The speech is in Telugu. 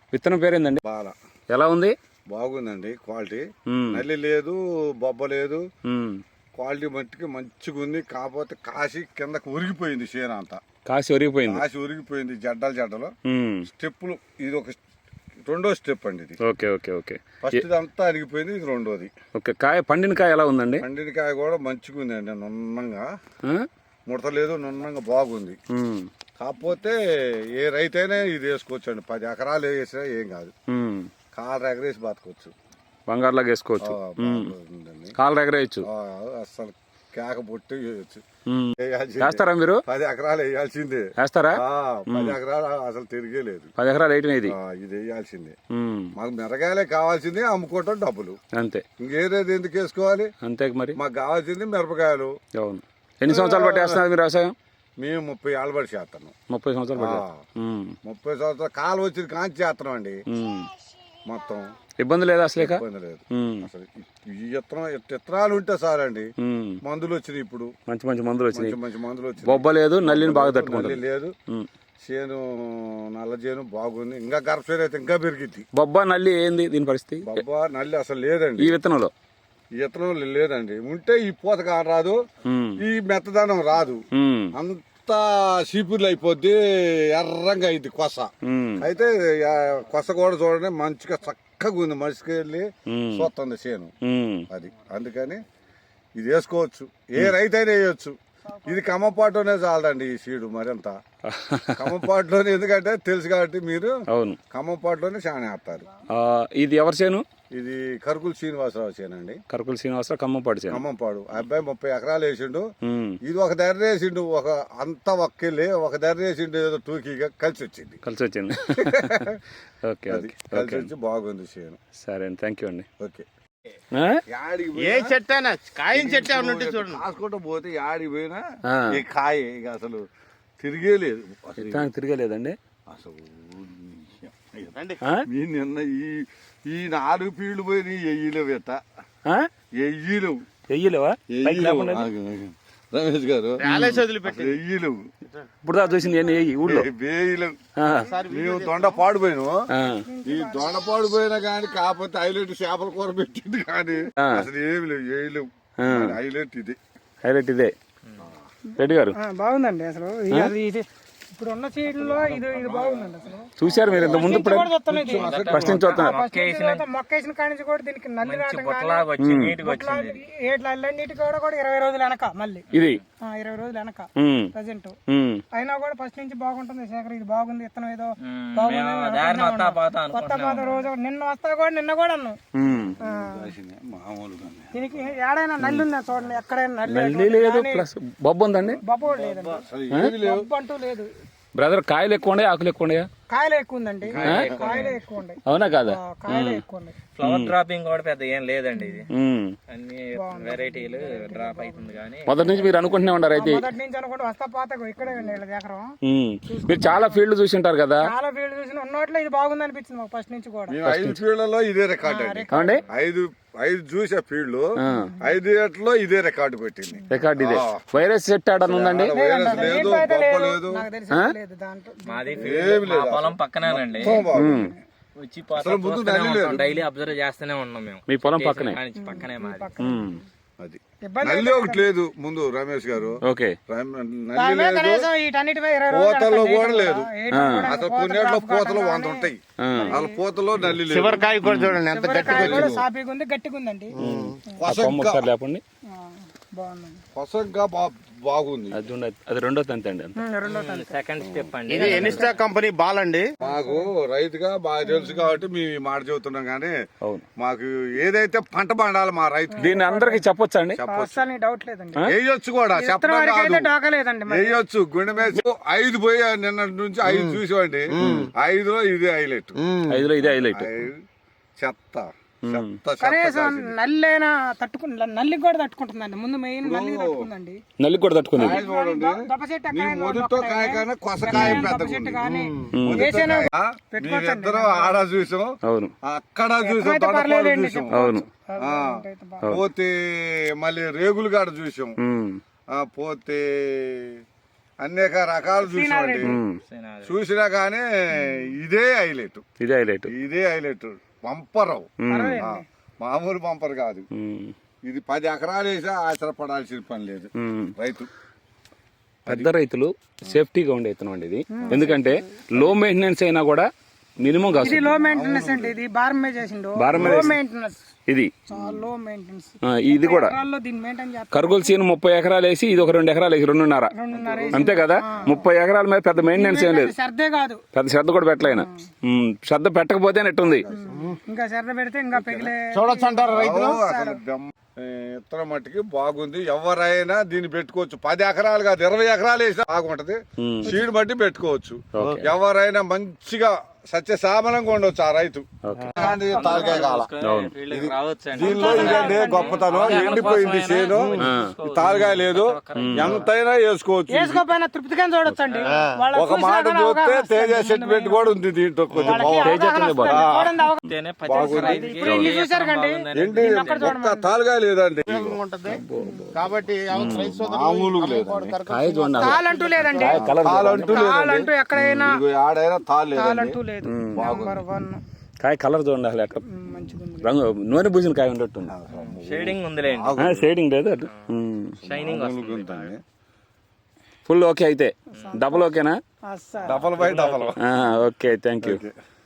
విత్తనం పేరేందండి? బాల. ఎలా ఉంది? బాగుందండి క్వాలిటీ. నల్లి లేదు, బొబ్బ లేదు, క్వాలిటీ మట్టికి మంచిగా ఉంది. కాకపోతే కాసి కిందకి ఉరిగిపోయింది చేను అంతా. కాసి ఉరిగిపోయింది జడ్డలు. స్టెప్పులు ఇది ఒక రెండో స్టెప్ అండి ఇది. Okay okay okay. ఫస్ట్ అంతా అరిగిపోయింది, ఇది రెండోది. ఓకే. పండిన కాయ ఎలా ఉందండి? పండిన కాయ కూడా మంచిగా ఉందండి, నున్నంగా ముడత లేదు, నున్నంగా బాగుంది. కాకపోతే ఏ రైతైనా ఇది వేసుకోవచ్చు అండి. 10 ఎకరాలు వేసినా ఏం కాదు, కాలు ఎగరేసి బతకొచ్చు, బంగారులాగా వేసుకోవచ్చు, కాలు ఎగరేయచ్చు, అసలు కేక పొట్టి వేయచ్చు. వేస్తారా మీరు? 10 ఎకరాలు వేయాల్సిందే. వేస్తారా? 10 ఎకరాలు అసలు తిరిగే లేదు. 10 ఎకరాలు వేయటం ఇది వేయాల్సిందే. మాకు మిరగాయలే కావాల్సింది, అమ్ముకోవటం డబ్బులు అంతే. ఇంకేదేది ఎందుకు వేసుకోవాలి? అంతే మరి. మాకు కావాల్సింది మిరపకాయలు. అవును. ఎన్ని సంవత్సరాలు బట్టి వేస్తున్నారు మీరు వ్యవసాయం? మేము 30 ఏళ్ళ బట్టి చేస్తాను. 30 సంవత్సరాలు బట్టి. 30 సంవత్సరాలు కాలు వచ్చిన కాంచి చేస్తున్నాం అండి. మొత్తం ఇబ్బంది లేదు, అసలు ఇబ్బంది లేదు. అసలు ఈ విత్తనాలు ఉంటే సార్ అండి. మందులు వచ్చినాయి ఇప్పుడు, మంచి మందులు వచ్చినాయి. బొబ్బ లేదు, నల్లిని బాగా తట్టుకుంటుంది. లేదు, చేను నల్ల చేను బాగుంది. ఇంకా గర్భశీర అయితే ఇంకా పెరిగిద్ది. బొబ్బ నల్లి ఏంది దీని పరిస్థితి? బొబ్బ నల్లి అసలు లేదండి ఈ విత్తనంలో. లేదండి. ఉంటే ఈ పూతగా రాదు, ఈ మెత్తదనం రాదు, అంతా చీపుర్లు అయిపోద్ది, ఎర్రంగా అయింది కొస. అయితే కొస కూడా చూడండి మంచిగా చక్కగా ఉంది, మనిషికి వెళ్ళి చూస్తుంది చేను అది. అందుకని ఇది వేసుకోవచ్చు, ఏ రైతైనా వేయచ్చు. ఇది కమ్మపాటులోనే చాలదండి ఈ సీడు మరింత. కమ్మపాటులోనే, ఎందుకంటే తెలుసు కాబట్టి మీరు. అవును, కమ్మపాటులోనే చాలా వేస్తారు. ఇది ఎవరి చేను? ఇది కరుకుల శ్రీనివాసరావు చేనండి. కరుకుల శ్రీనివాసరావు ఖమ్మంపాడు చేను. ఖమ్మంపాడు. అబ్బాయి 30 ఎకరాలు వేసిండు. ఇది ఒక ధర వేసిండు, అంతా ఒక్కెళ్ళి ఒక ధర వేసిండు. ఏదో టూకీగా కలిసి వచ్చింది. ఓకే, కలిసి వచ్చి బాగుంది చేను. సరే అండి, థ్యాంక్ యూ అండి. ఓకే. ఏ చెట్టు అయినా కాయ చెట్టు చూడండి, కాసుకుంటూ పోతే యాడికి పోయినా ఈ కాయ ఇక అసలు తిరిగేలేదు. తిరగలేదండి అసలు. నిన్న ఈ 4 పీళ్లు పోయి ఎయ్యలేవు. ఎయ్యలేవా రమేష్ గారు? ఎయ్యలేవు. ఇప్పుడు చూసింది ఊళ్ళో వేయలేవు. మేము దొండ పాడిపోయినాము. ఈ దొండ పాడిపోయినా కానీ కాకపోతే హైలైట్ చేపల కూర పెట్టింది కానీ అసలు ఏమి లేవు, వేయలేవు. హైలైట్ ఇదే. రెడ్డి గారు బాగుందండి. అసలు ఇప్పుడు ఉన్న సీడ్లో ఇది బాగుందండి. అసలు చూసారు మీరు ఇంత ముందు? ఫస్ట్ నుంచి మొక్కేసిన కాడి నుంచి కూడా దీనికి నల్లి నీటి కూడా 20 రోజులు వెనక మళ్ళీ ఇది 20 రోజులు వెనక ప్రజెంట్. అయినా కూడా ఫస్ట్ నుంచి బాగుంటుంది. శేఖర్ ఇది బాగుంది, విత్తనం ఏదో బాగుంది. కొత్త పాత రోజు నిన్న కూడా అన్నాం. దీనికి ఏడైనా నల్లి ఉందా చూడండి, ఎక్కడైనా నల్లి లేదు. బొబ్బ ఉందండి? బొబ్బ లేదండి, బొబ్బ అంటూ లేదు. బ్రదర్, కాయలు ఎక్కువ ఉండే, ఆకులు ఎక్కువ ఉన్నాయా? కాయలు ఎక్కువ ఉందండి, కాయలే ఎక్కువ ఉన్నాయి. అవునా కాదా? కాయలే ఎక్కువ ఉన్నాయి. ఫ్లవర్ డ్రాపింగ్ కూడా పెద్ద ఏం లేదండి. ఇది అన్ని వెరైటీలు డ్రాప్ అవుతుంది. కానీ మొదటి నుంచి మీరు అనుకుంటూనే ఉన్నారు? అయితే మొదటి నుంచి అనుకుంటే వస్తా పాత ఇక్కడే ఎకరం. మీరు చాలా ఫీల్డ్ చూసి ఉంటారు కదా? చాలా ఫీల్డ్ చూసిన ఉన్నోట్లో ఇది బాగుంది అనిపించింది మాకు ఫస్ట్ నుంచి కూడా. 5 ఫీల్డ్లలో ఇదే రికార్డ్ అండి. 5 చూసే ఫీల్డ్ 5 ఏట్లో ఇదే రికార్డు పెట్టింది. రికార్డు ఇదే. వైరస్ సెట్ ఆడని ఉందండి? పొలం పక్కనేనండి. వచ్చి డైలీ అబ్జర్వ్ చేస్తూనే ఉన్నాం మేము. మీ పొలం పక్కనే? పక్కనే మాది. అది నల్లి ఒకటి లేదు ముందు రమేష్ గారు. ఓకే. పూతలో కూడా లేదు అసలు. కొన్నిట్లో పూతలు 100 ఉంటాయి, వాళ్ళ పూతలో నల్లి లేదు. చివరికాయ కూడా చూడండి ఎంత గట్టిగా గట్టిగా ఉందండి. లేపండి. కొసంగా బాగుంది. అది రెండో తంతి అండి. సెకండ్ స్టెప్ అండి. ఇది ఎనిస్టా కంపెనీ బాల్ అండి. మాకు రైతుగా బాగా తెలుసు కాబట్టి మేము ఈ మాట చెబుతున్నాం. కానీ మాకు ఏదైతే పంట పండాలి మా రైతు, దీన్ని అందరికి చెప్పొచ్చు అండి. డౌట్ లేదండి. వేయొచ్చు కూడా, చెప్పడం వేయొచ్చు. గుండె మీద 5 పోయి నిన్న నుంచి 5 చూసామండి. 5లో ఇదే హైలైట్. 5లో ఇదే హైలైట్. చెత్త కనీసం నల్లైనా నల్లికి కూడా తట్టుకుంటుందండి. ముందు మెయిన్ నల్లి తట్టుకుందండి. నల్లి కూడా తట్టుకుంది. మొదటితో కాయ కానీ కొసకాయ పెద్ద ఇద్దరు ఆడ చూసాం. అవును. అక్కడ చూసాం. అవును. పోతే మళ్ళీ రేగులు కాడ చూసాం. పోతే అనేక రకాలు చూసామండి. చూసినా కానీ ఇదే హైలైట్, ఇదే హైలైట్. ఇదే హైలైట్. పంపరు, మామూలు పంపరు కాదు. ఇది 10 ఎకరాలు వేసా ఆశ్రపడాల్సిన పని లేదు రైతు. పెద్ద రైతులు సేఫ్టీగా ఉండే విత్తనం అండి ఇది. ఎందుకంటే లో మెయింటెనెన్స్ అయినా కూడా మినిమం కాదు. ఇది లో మెయింటెనెన్స్ అండి. ఇది బారం మీద చేసిండు. లో మెయింటెనెన్స్ ఇది చాలా లో మెయింటెనెన్స్. ఇది కూడా దీన్ని మెయింటైన్ చేస్తారు. కర్గోల్ సీన్ 30 ఎకరాలు వేసి ఇది ఒక 2 ఎకరాలు వేసి 2.5 అంతే కదా. 30 ఎకరాల మీద పెద్ద మెయింటెనెన్స్ ఏం లేదు. శ్రద్ధే కాదు, పెద్ద శ్రద్ధ కూడా పెట్టలేనా. శ్రద్ధ పెట్టకపోతే నెట్టుంది. ఇంకా శ్రద్ధ పెడితే ఇంకా పెగిలే చూడొచ్చు అంటారు రైతులు. అసలు ఇత్తనం మట్టికి బాగుంది. ఎవరైనా దీన్ని పెట్టుకోవచ్చు. 10 ఎకరాలు కాదు, 20 ఎకరాలు వేసినా బాగుంటది. సీడ్ బట్టి పెట్టుకోవచ్చు. ఎవరైనా మంచిగా సత్యసామలంగా ఉండొచ్చు ఆ రైతు. తాలకాయ కాల దీనిలో ఇదే గొప్పతనం. ఎండిపోయింది చేను, తాలకాయ లేదు, ఎంతైనా వేసుకోవచ్చు. వేసుకోపోయినా తృప్తిగా చూడొచ్చు అండి. ఒక మాట చూస్తే తేజ సెంటిమెంట్ కూడా ఉంది దీంట్లో. కొంచెం ఏంటి ఒక్క తాలకాయ లేదండి కాబట్టి మామూలుగా లేదండి. తాళంటూ లేదండి. తాళంటూ తాళంటూ ఎక్కడైనా ఆడైనా తాళ్ళు తాళంటూ లేదు. నెంబర్ 1 కాయ కలర్ చూడండి అసలు ఎట్లా రంగు నూనె పూసిన కాయ ఉండట్టుంది. షేడింగ్ ఉందిలేండి, షేడింగ్ లేదు అటు. షైనింగ్ ఫుల్ ఓకే అయితే డబుల్ ఓకేనా? Double by double. Okay thank you.